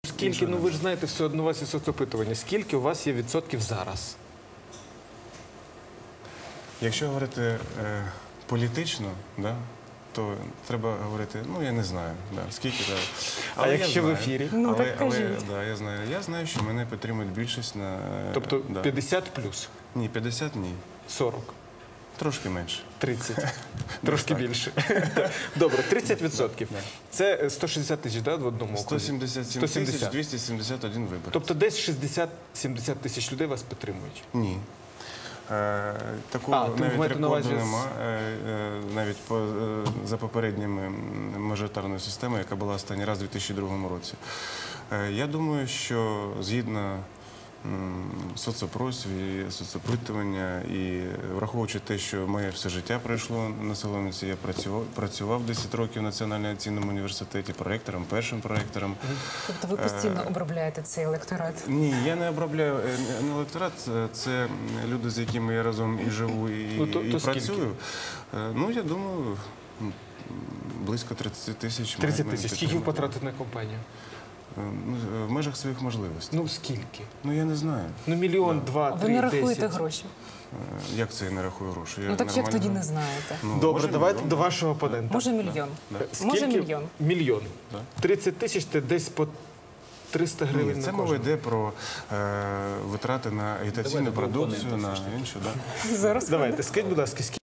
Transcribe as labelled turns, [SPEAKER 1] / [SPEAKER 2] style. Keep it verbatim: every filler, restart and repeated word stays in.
[SPEAKER 1] Скільки, ну ви ж знаєте, все одно у вас є соцопитування. Скільки у вас є відсотків зараз?
[SPEAKER 2] Якщо говорити е, політично, да, то треба говорити, ну я не знаю, да, скільки. Да.
[SPEAKER 1] А якщо в ефірі?
[SPEAKER 3] Ну,
[SPEAKER 2] але,
[SPEAKER 3] так
[SPEAKER 2] але,
[SPEAKER 3] кажіть.
[SPEAKER 2] да, я знаю, я знаю, що мене підтримують більшість на...
[SPEAKER 1] Тобто
[SPEAKER 2] да.
[SPEAKER 1] п'ятдесят плюс?
[SPEAKER 2] Ні, п'ятдесят ні.
[SPEAKER 1] сорок?
[SPEAKER 2] Трошки менше.
[SPEAKER 1] тридцять? Трошки більше. Добре, тридцять відсотків. Це сто шістдесят тисяч, да, в одному окрузі?
[SPEAKER 2] сто сімдесят сім тисяч двісті сімдесят один виборець.
[SPEAKER 1] Тобто десь шістдесят-сімдесят тисяч людей вас підтримують?
[SPEAKER 2] Ні. Е, такого
[SPEAKER 1] А, ти
[SPEAKER 2] навіть
[SPEAKER 1] маєте на увазі
[SPEAKER 2] рекорду
[SPEAKER 1] з-
[SPEAKER 2] нема. Е, е, навіть по, е, за попередніми мажоритарною системою, яка була останній раз у дві тисячі другому році. Е, я думаю, що згідно м, соцопросів і соцопитування, і враховуючи те, що моє все життя пройшло на Солом'янці, я працював, працював десять років в Національному авіаційному університеті проректором, першим проректором.
[SPEAKER 3] Тобто ви постійно обробляєте цей електорат?
[SPEAKER 2] Ні, я не обробляю е, не електорат, це- це люди, з якими я разом і живу, і,
[SPEAKER 1] Ну, то-
[SPEAKER 2] і
[SPEAKER 1] то скільки?
[SPEAKER 2] працюю. Е, Ну, я думаю, м, близько тридцять тисяч.
[SPEAKER 1] тридцять
[SPEAKER 2] має-
[SPEAKER 1] тисяч.
[SPEAKER 2] має
[SPEAKER 1] Скільки ви
[SPEAKER 2] підтримати.
[SPEAKER 1] потратите на компанію?
[SPEAKER 2] Е, ну, в межах своїх можливостей.
[SPEAKER 1] Ну, скільки?
[SPEAKER 2] Ну, я не знаю.
[SPEAKER 1] Ну, мільйон, два,
[SPEAKER 3] Ви
[SPEAKER 1] три,
[SPEAKER 3] не рахуєте
[SPEAKER 1] десять.
[SPEAKER 3] гроші?
[SPEAKER 2] Е, Як це я не рахую гроші? Я
[SPEAKER 3] Ну так як
[SPEAKER 2] нормально-
[SPEAKER 3] тоді не знаєте?
[SPEAKER 2] Ну,
[SPEAKER 1] Добре,
[SPEAKER 2] може,
[SPEAKER 1] давайте
[SPEAKER 2] мільйон.
[SPEAKER 1] до вашого опонента.
[SPEAKER 3] Може мільйон?
[SPEAKER 2] Да.
[SPEAKER 3] Може
[SPEAKER 1] Скільки?
[SPEAKER 3] мільйон?
[SPEAKER 1] Мільйон.
[SPEAKER 2] Да.
[SPEAKER 1] тридцять тисяч – це десь по триста гривень
[SPEAKER 2] Ні, це
[SPEAKER 1] на
[SPEAKER 2] мова
[SPEAKER 1] кожного.
[SPEAKER 2] йде про е, витрати на агітаційну
[SPEAKER 4] Давайте до
[SPEAKER 2] продукцію,
[SPEAKER 4] опонента
[SPEAKER 2] на
[SPEAKER 4] все ж таки.
[SPEAKER 2] іншу. Да.
[SPEAKER 3] Зараз
[SPEAKER 1] Давайте, скажіть, будь ласка, скільки